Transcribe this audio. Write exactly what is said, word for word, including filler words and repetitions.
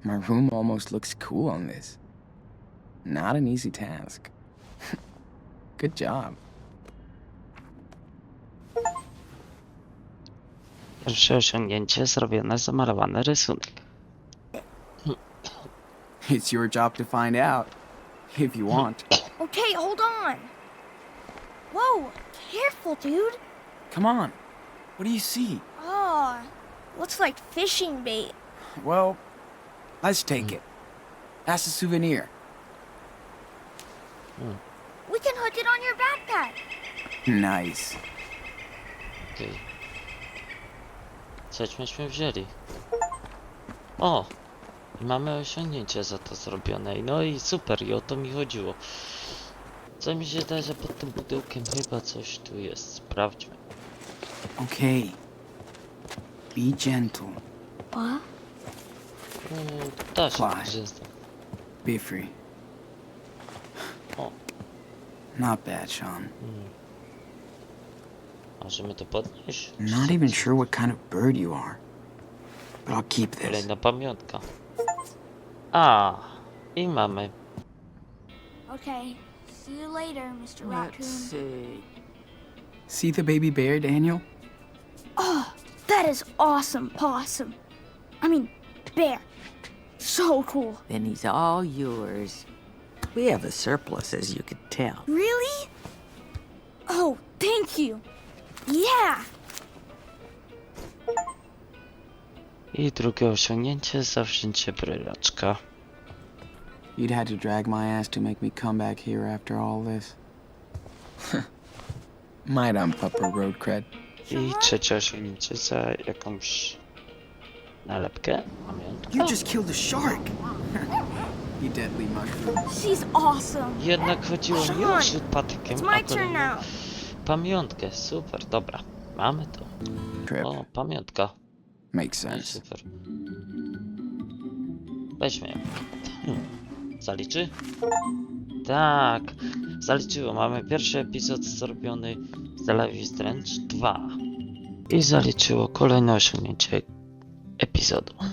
My room almost looks cool on this. Not an easy task. Good job. Pierwsze osiągnięcie zrobione, zamalowany rysunek. It's your job to find out, if you want. Okay, hold on. Whoa, careful, dude. Come on. What do you see? Oh, looks like fishing bait. Well, let's take it. That's a souvenir. We can hook it on your backpack. Nice. Okej. Okay. Cośmy wzięli. O! I mamy osiągnięcie za to zrobione. No i super, i o to mi chodziło. Co mi się wydaje, że pod tym pudełkiem chyba coś tu jest. Sprawdźmy. Okay. Be gentle. What? Mm, da się, Fly. że jest. Be free. O, Not bad, Sean. mm. Możemy to podnieść? Not even sure what kind of bird you are. But I'll keep this. Kolejna pamiątka. A, i mamy. Okay, see you later, mister Let's Raccoon. see. See the baby bear, Daniel? Oh, that is awesome, Possum. I mean, bear. So cool. Then he's all yours. We have a surplus, as you can tell. Really? Oh, thank you. Yeah. I drugie osiągnięcie, zawzięcie brylaczka. You'd had to drag my ass to make me come back here after all this. Might ump up her road cred. I trzecie osiągnięcie za jakąś nalepkę. Pamiątkę. You just killed a shark! You deadly mushroom. She's awesome. Jednak chodziło mi o rzut patykiem, It's a my turn kolejną now. pamiątkę. Super, dobra. Mamy to. Trip. O, pamiątka. Makes No i sense. super. Weźmy ją. Hmm. Zaliczy? Tak. Zaliczyło. Mamy pierwszy epizod zrobiony z The Life is Strange dwa. I zaliczyło kolejne osiągnięcie epizodu.